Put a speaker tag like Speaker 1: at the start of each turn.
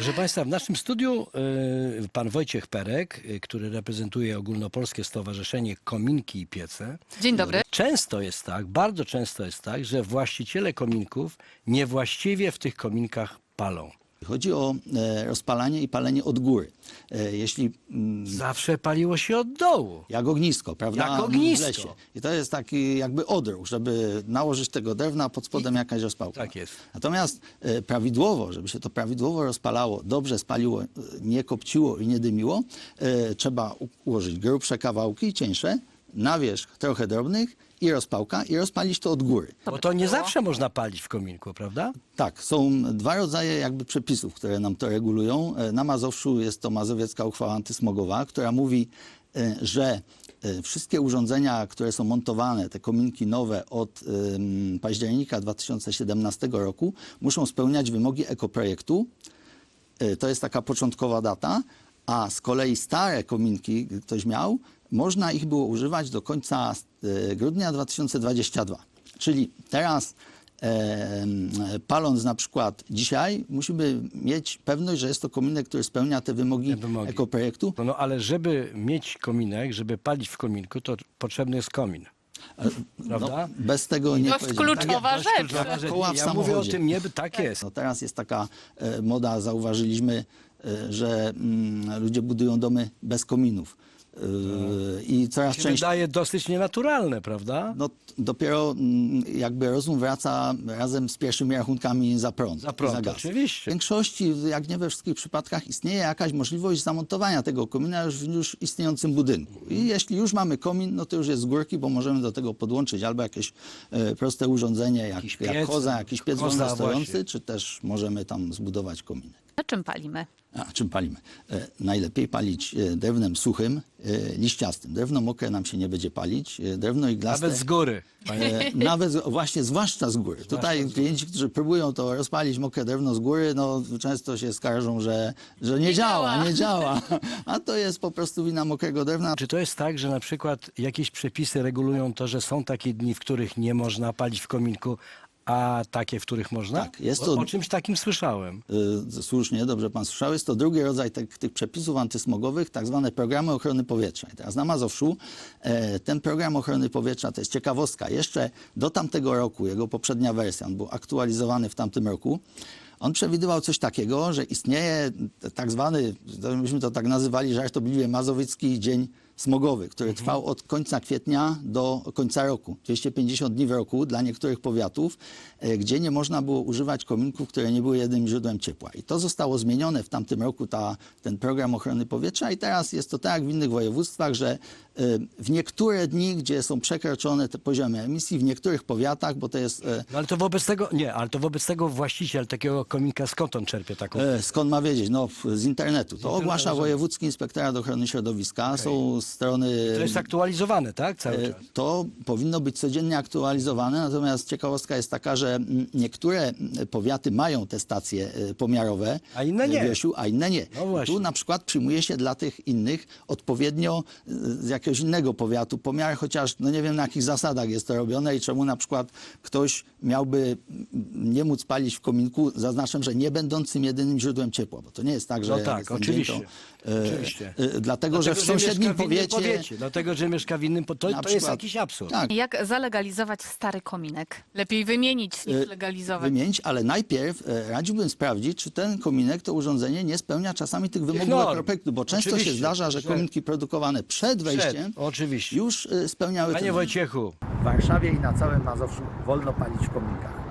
Speaker 1: Proszę Państwa, w naszym studiu pan Wojciech Perek, który reprezentuje Ogólnopolskie Stowarzyszenie Kominki i Piece.
Speaker 2: Dzień dobry.
Speaker 1: Często jest tak, bardzo często jest tak, że właściciele kominków niewłaściwie w tych kominkach palą.
Speaker 3: Chodzi o rozpalanie i palenie od góry. Jeśli
Speaker 1: Zawsze paliło się od dołu.
Speaker 3: jak ognisko, prawda?
Speaker 1: Jak ognisko.
Speaker 3: W lesie. I to jest taki jakby odruch, żeby nałożyć tego drewna, pod spodem jakaś rozpałka.
Speaker 1: Tak jest.
Speaker 3: Natomiast prawidłowo, żeby się to prawidłowo rozpalało, dobrze spaliło, nie kopciło i nie dymiło, trzeba ułożyć grubsze kawałki, cieńsze, na wierzch trochę drobnych i rozpałka i rozpalić to od góry.
Speaker 1: Bo to nie zawsze można palić w kominku, prawda?
Speaker 3: Tak, są dwa rodzaje jakby przepisów, które nam to regulują. Na Mazowszu jest to Mazowiecka Uchwała Antysmogowa, która mówi, że wszystkie urządzenia, które są montowane, te kominki nowe od października 2017 roku, muszą spełniać wymogi ekoprojektu. To jest taka początkowa data, a z kolei stare kominki, ktoś miał, można ich było używać do końca grudnia 2022. Czyli teraz paląc na przykład dzisiaj, musimy mieć pewność, że jest to kominek, który spełnia te wymogi ekoprojektu.
Speaker 1: No ale żeby mieć kominek, żeby palić w kominku, to potrzebny jest komin. Prawda?
Speaker 3: No, bez tego nie
Speaker 2: Dość
Speaker 3: powiedziałem.
Speaker 2: kluczowa
Speaker 1: Dość
Speaker 2: rzecz.
Speaker 1: kluczowa rzecz.
Speaker 3: Koła w
Speaker 1: Ja mówię o
Speaker 3: samochodzie.
Speaker 1: tym, nie, tak jest.
Speaker 3: No teraz jest taka moda, zauważyliśmy, że ludzie budują domy bez kominów. I coraz
Speaker 1: Się
Speaker 3: częściej.
Speaker 1: wydaje dosyć nienaturalne, prawda?
Speaker 3: No, dopiero jakby rozum wraca razem z pierwszymi rachunkami za prąd.
Speaker 1: Za prąd,
Speaker 3: za gaz.
Speaker 1: oczywiście.
Speaker 3: W większości, jak nie we wszystkich przypadkach, istnieje jakaś możliwość zamontowania tego komina już w już istniejącym budynku. I jeśli już mamy komin, no to już jest z górki, bo możemy do tego podłączyć albo jakieś proste urządzenie, jak
Speaker 1: piec,
Speaker 3: koza, jakiś piec
Speaker 1: koza,
Speaker 3: wolnostojący,
Speaker 1: właśnie.
Speaker 3: czy też możemy tam zbudować kominek.
Speaker 2: Na czym palimy?
Speaker 3: A czym palimy? Najlepiej palić drewnem suchym, liściastym. Drewno mokre nam się nie będzie palić. Drewno iglaste...
Speaker 1: Nawet z góry.
Speaker 3: Nawet właśnie, zwłaszcza z góry. Tutaj klienci, którzy próbują to rozpalić mokre drewno z góry, no często się skarżą, że nie działa. A to jest po prostu wina mokrego drewna.
Speaker 1: Czy to jest tak, że na przykład jakieś przepisy regulują to, że są takie dni, w których nie można palić w kominku, a takie, w których można?
Speaker 3: Tak, jest
Speaker 1: Bo
Speaker 3: to-
Speaker 1: o czymś takim słyszałem.
Speaker 3: Słusznie, dobrze pan słyszał. Jest to drugi rodzaj tych przepisów antysmogowych, tak zwane programy ochrony powietrza. I teraz na Mazowszu ten program ochrony powietrza, to jest ciekawostka, jeszcze do tamtego roku, jego poprzednia wersja, on był aktualizowany w tamtym roku, on przewidywał coś takiego, że istnieje tak zwany, myśmy to tak nazywali żartobliwie, Mazowiecki Dzień Smogowy, który trwał od końca kwietnia do końca roku. 250 dni w roku dla niektórych powiatów, gdzie nie można było używać kominków, które nie były jedynym źródłem ciepła. I to zostało zmienione w tamtym roku, ten program ochrony powietrza i teraz jest to tak jak w innych województwach, że w niektóre dni, gdzie są przekroczone te poziomy emisji, w niektórych powiatach, bo to jest...
Speaker 1: No ale to wobec tego właściciel takiego kominka skąd on czerpie taką?
Speaker 3: Skąd ma wiedzieć? No, z internetu. To
Speaker 1: internetu,
Speaker 3: ogłasza
Speaker 1: rozumiem.
Speaker 3: Wojewódzki Inspektorat Ochrony Środowiska. Są strony...
Speaker 1: To jest aktualizowane, tak? Cały czas.
Speaker 3: To powinno być codziennie aktualizowane, natomiast ciekawostka jest taka, że niektóre powiaty mają te stacje pomiarowe,
Speaker 1: A inne nie.
Speaker 3: Wiesiu, a inne nie.
Speaker 1: No właśnie.
Speaker 3: Tu na przykład przyjmuje się dla tych innych odpowiednio z jakiegoś innego powiatu pomiar, chociaż no nie wiem na jakich zasadach jest to robione i czemu na przykład ktoś miałby nie móc palić w kominku, zaznaczam, że nie będącym jedynym źródłem ciepła, bo to nie jest tak, że...
Speaker 1: No tak,
Speaker 3: jest ten
Speaker 1: oczywiście.
Speaker 3: dzień,
Speaker 1: Oczywiście.
Speaker 3: Dlatego, że w sąsiednim
Speaker 1: mieszka w innym
Speaker 3: powiecie...
Speaker 1: dlatego, że mieszka w innym to
Speaker 3: Na
Speaker 1: jest
Speaker 3: przykład-
Speaker 1: jakiś absurd.
Speaker 3: Tak,
Speaker 2: Jak zalegalizować stary kominek? Lepiej wymienić niż legalizować.
Speaker 3: wymienić, ale najpierw radziłbym sprawdzić, czy ten kominek, to urządzenie nie spełnia czasami tych wymogów
Speaker 1: norm.
Speaker 3: ekoprojektu, bo często się
Speaker 1: Oczywiście,
Speaker 3: zdarza, że kominki produkowane przed wejściem
Speaker 1: Oczywiście.
Speaker 3: już spełniały
Speaker 1: Panie
Speaker 3: ten...
Speaker 1: Wojciechu,
Speaker 4: W Warszawie i na całym Mazowszu wolno palić w kominkach.